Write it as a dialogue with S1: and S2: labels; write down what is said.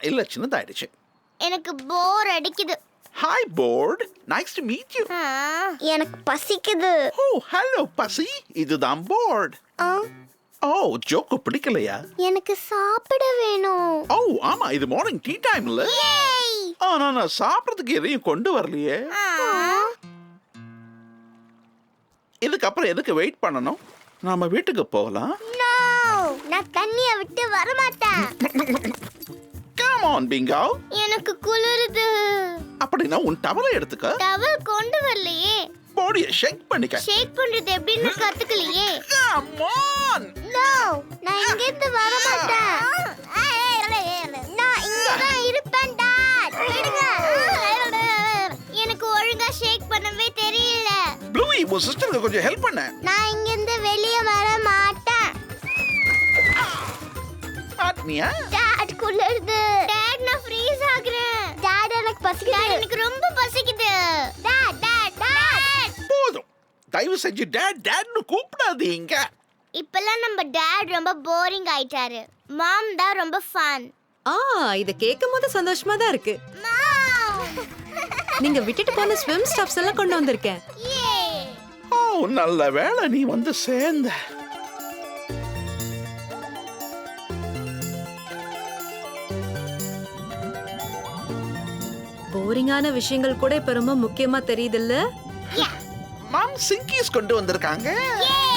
S1: இல்ல சின்னதாயிடுச்சு.
S2: எனக்கு போர் அடிக்குது.
S1: ஹாய் போர்ட், நைஸ் டு மீட் யூ.
S2: எனக்கு பசிக்குது.
S1: ஓ ஹலோ பசி, இதுதான் போர்ட். ஓ ஜோக்கு பிடிக்கலையா?
S2: எனக்கு சாப்பிட வேணும்.
S1: ஓ ஆமா, இது மார்னிங் டீ டைம்ல. ஆனா நான் சாப்பிட்றதுக்கு எதையும் கொண்டு வரலையே. இதுக்கப்புறம் எதுக்கு வெயிட் பண்ணணும்? நாம வீட்டுக்கு போகலாம்.
S2: நான் தண்ணிய விட்டு வர மாட்டேன்.
S1: Come on Bingo.
S2: எனக்கு குளிருது.
S1: அப்படின்னா உன் டவலை எடுத்துக்க.
S2: டவல் கொண்டு வரலையே.
S1: பாடியை ஷேக் பண்ணிக்க.
S2: ஷேக் பண்றது எப்படின்னு கத்துக்கலையே.
S1: Come on.
S2: நோ, நான் இங்க இருந்து வர மாட்டேன். நான் இங்க தான் இருப்பேன் டாட். விடுங்க. எனக்கு ஒழுங்கா ஷேக் பண்ணவே தெரியல.
S1: ப்ளூயி, உன் சிஸ்டருக்கு கொஞ்சம் ஹெல்ப் பண்ண.
S2: நான் இங்க இருந்து வெளிய வர மாட்டேன்.
S1: பாட்னியா?
S2: டாட் குளிருது. டாட் நான் ஃப்ரீஸ் ஆகுறேன். டாட் எனக்கு பசிக்குது. டாட் எனக்கு ரொம்ப பசிக்குது. Dad dad dad.
S1: போதும், தயவு செஞ்சு டேட் டேட்னு கூப்பிடாதீங்க.
S2: இப்பெல்லாம் நம்ம டாட் ரொம்ப போரிங் ஆயிட்டாரு. மாம் தான் ரொம்ப ஃபன்.
S3: இத கேட்கும்போது சந்தோஷமா தான் இருக்கு.
S2: மாம்.
S3: நீங்க விட்டுட்டு போன ஸ்விம் ஸ்டப்ஸ் எல்லாம் கொண்டு வந்திருக்கேன்.
S2: யே.
S1: ஓ நல்ல வேளை நீ வந்து சேர்ந்த.
S3: போரிங்கான விஷயங்கள் கூட இப்ப ரொம்ப முக்கியமா தெரியுது இல்ல?
S1: மாம் சிங்கிஸ் கொண்டு வந்திருக்காங்க.
S2: யே.